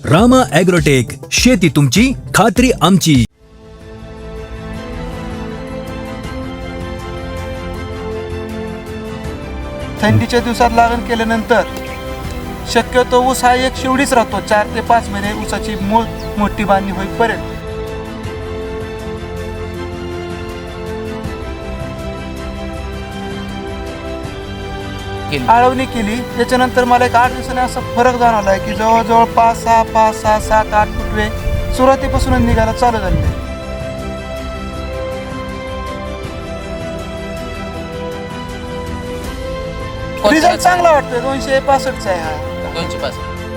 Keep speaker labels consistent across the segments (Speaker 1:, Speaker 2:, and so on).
Speaker 1: Rama agrotech, शेती तुमची, खात्री आमची.
Speaker 2: थंडीच्या दिवसात लागण केल्यानंतर शक्यतो ऊस हा एक शिवडीच राहतो. 4 ते 5 महिने ऊसाची मोठी बांधणी होईपर्यंत. आळवणी केली त्याच्यानंतर मला एक 8 दिवसांनी असा फरक जाणवला की जवळजवळ 5, 6, 7, 8 फुटवे सुरुवातीपासूनच निघायला चालू झाले. रिझल्ट चांगला वाटतोय. 265चा आहे हा.
Speaker 3: 265.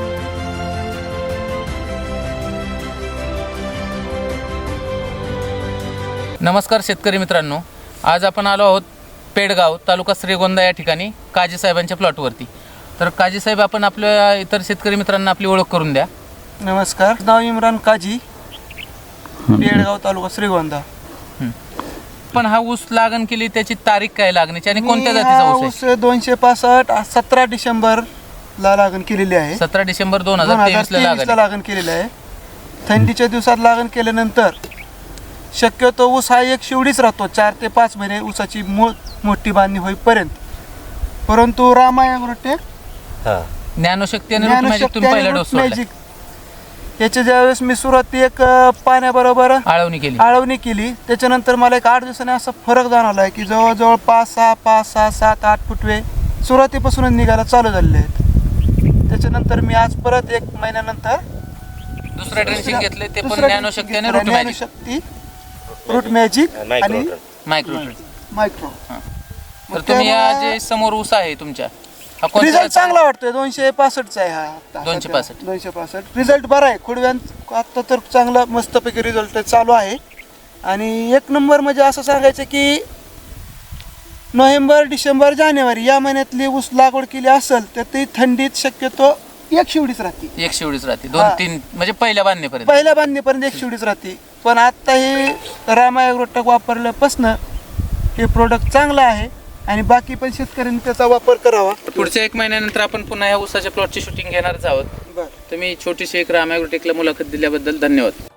Speaker 3: नमस्कार शेतकरी मित्रांनो, आज आपण आलो आहोत पेडगाव, तालुका श्रीगोंदा या ठिकाणी काजी साहेबांच्या प्लॉटवरती. तर काजी साहेब, आपण आपल्या इतर शेतकरी मित्रांना आपली ओळख करून द्या.
Speaker 2: नमस्कार, नाव इम्रान काजी, पेडगाव, तालुका श्रीगोंदा.
Speaker 3: पण हा ऊस लागण केली, त्याची तारीख काय लागण्याची आणि कोणत्या जातीचा ऊस आहे?
Speaker 2: 265 17 डिसेंबरला लागण केलेली आहे.
Speaker 3: 17 डिसेंबर 2023 ला
Speaker 2: लागण केलेली आहे. थंडीच्या दिवसात लागण केल्यानंतर शक्यतो ऊस हा एक शिवडीच राहतो. 4 ते 5 महिने ऊसाची मोठी बांधणी होईपर्यंत. परंतु रामा ॲग्रोटेक
Speaker 3: ज्ञानशक्ती आणि रूट मॅजिक तुम्ही पहिला डोस सोडला.
Speaker 2: याच्या ज्यावेळेस मी सुरुवाती एक पाण्याबरोबर आळवणी केली त्याच्यानंतर मला एक 8 दिवसांनी असा फरक जाणवला की जवळजवळ 5, 6, 7, 8 फुटवे सुरुवातीपासूनच निघायला चालू झालेले आहेत. त्याच्यानंतर मी आज परत 1 महिन्यानंतर
Speaker 3: दुसरं ड्रेसिंग घेतले, ते पण ज्ञानशक्ती आणि
Speaker 2: रूट मॅजिक आणि मायक्रो.
Speaker 3: तर तुम्ही या जे समोर ऊस आहे तुमच्या,
Speaker 2: रिझल्ट चांगला वाटतोय. 265चा आहे हा.
Speaker 3: 265
Speaker 2: रिझल्ट बरा आहे. खोडव्यात आता तर चांगला मस्तपैकी रिझल्ट चालू आहे. आणि 1 नंबर म्हणजे असं सांगायचं की नोव्हेंबर, डिसेंबर, जानेवारी या महिन्यातली ऊस लागवड केली असेल तर ती थंडीत शक्यतो एक शिवडीच राहते.
Speaker 3: 2-3 म्हणजे पहिल्या बांधणीपर्यंत
Speaker 2: एक शिवडीच राहते. पण आता हे रामा ॲग्रोटेक वापरल्यापासून हे प्रोडक्ट चांगलं आहे आणि बाकी पण शेतकऱ्यांनी त्याचा वापर करावा.
Speaker 3: पुढच्या 1 महिन्यानंतर आपण पुन्हा या ऊसाच्या प्लॉटची शूटिंग घेणारच आहोत. तुम्ही छोटीशी एक रामा ॲग्रोटेकला मुलाखत दिल्याबद्दल धन्यवाद.